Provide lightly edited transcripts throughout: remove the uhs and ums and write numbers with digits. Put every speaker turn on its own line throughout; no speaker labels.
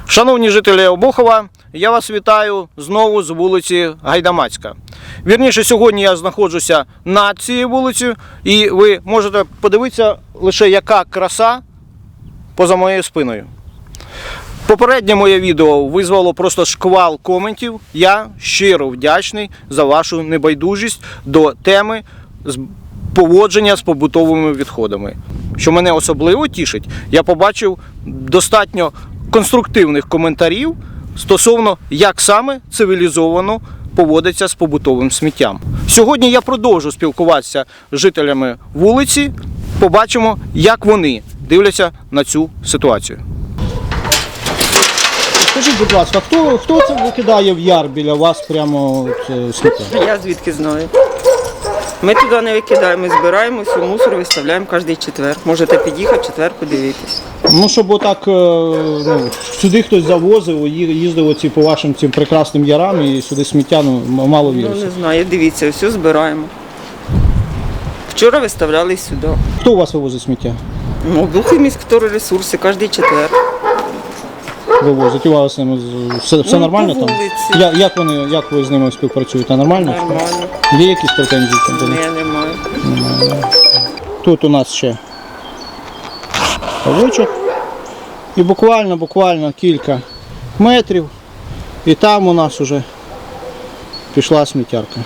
Шановні жителі Обухова, я вас вітаю знову з вулиці Гайдамацька. Вірніше, сьогодні я знаходжуся над цією вулицею, і ви можете подивитися лише, яка краса поза моєю спиною. Попереднє моє відео визвало просто шквал коментів. Я щиро вдячний за вашу небайдужість до теми поводження з побутовими відходами. Що мене особливо тішить, я побачив достатньо конструктивних коментарів стосовно, як саме цивілізовано поводиться з побутовим сміттям. Сьогодні я продовжу спілкуватися з жителями вулиці, побачимо, як вони дивляться на цю ситуацію. Скажіть, будь ласка, хто це викидає в яр біля вас прямо сміття?
Я звідки знаю. Ми туди не викидаємо, ми збираємо всю мусор, виставляємо кожен четвер. Можете під'їхати в четвер, подивитись.
Ну, щоб отак сюди хтось завозив, їздив оці по вашим цим прекрасним ярам і сюди сміття, мало віриться.
Ну, не знаю, дивіться, все збираємо. Вчора виставляли сюди.
Хто у вас вивозить сміття?
Ну, Бухиміськвторресурси, кожен четвер.
Вивозить? У вас все нормально
по
там?
вулиці.
Як ви з ними співпрацюєте? Нормально?
Нормально.
Є якісь претензії? Там?
Ні, немає.
Тут у нас ще павучок. І буквально кілька метрів. І там у нас вже пішла сміттярка.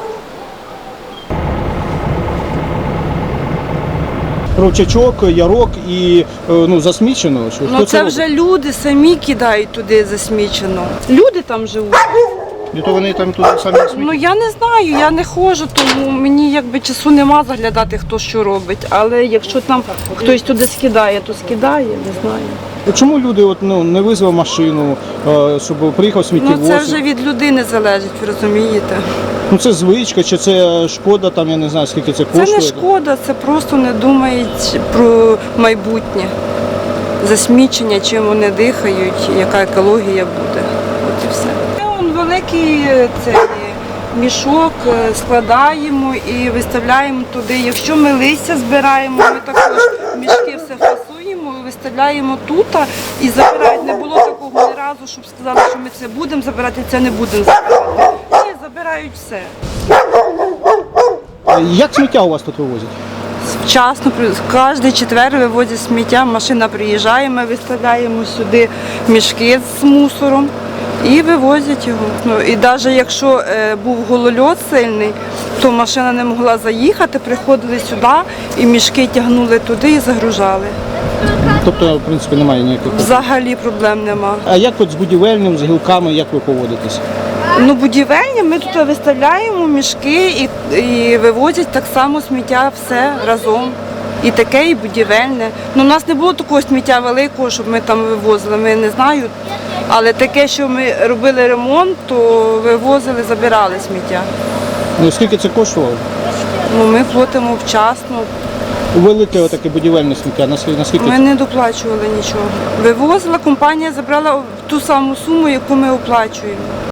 Ручачок, ярок і засмічено.
Ну це вже люди самі кидають туди засмічено. Люди там живуть.
І то вони там туди самі смітять?
Ну я не знаю, я не ходжу, тому мені якби часу нема заглядати, хто що робить. Але якщо там хтось туди скидає, то скидає, не знаю.
Чому люди не визвали машину, щоб приїхав сміттєвоз?
Ну це вже від людини залежить, ви розумієте.
Ну це звичка, чи це шкода, там я не знаю, скільки це коштує?
Це не шкода, це просто не думають про майбутнє. Засмічення, чим вони дихають, яка екологія буде. От і все. Це великий мішок складаємо і виставляємо туди. Якщо ми листя збираємо, ми також мішки все фасуємо, виставляємо тут і забирають. Не було такого ні разу, щоб сказали, що ми це будемо забирати, це не будемо забирати. Ні, забирають все.
Як сміття у вас тут вивозять?
Вчасно, кожен четвер вивозять сміття, машина приїжджає, ми виставляємо сюди мішки з мусором і вивозять його. Ну, і навіть якщо був голольот сильний, то машина не могла заїхати, приходили сюди і мішки тягнули туди і загружали.
Тобто, в принципі, немає ніяких?
Взагалі проблем нема.
А як от з будівельним, з гілками, як ви поводитесь?
Ну, будівельні, ми тут виставляємо мішки і вивозять так само сміття все разом. І таке, і будівельне. Ну, у нас не було такого сміття великого, щоб ми там вивозили, ми не знаю. Але таке, що ми робили ремонт, то вивозили, забирали сміття.
Ну, скільки це коштувало?
Ну, ми платимо вчасно.
Велике таке будівельне сміття, наскільки
Ми
це?
не доплачували нічого. Вивозила, компанія забрала ту саму суму, яку ми оплачуємо.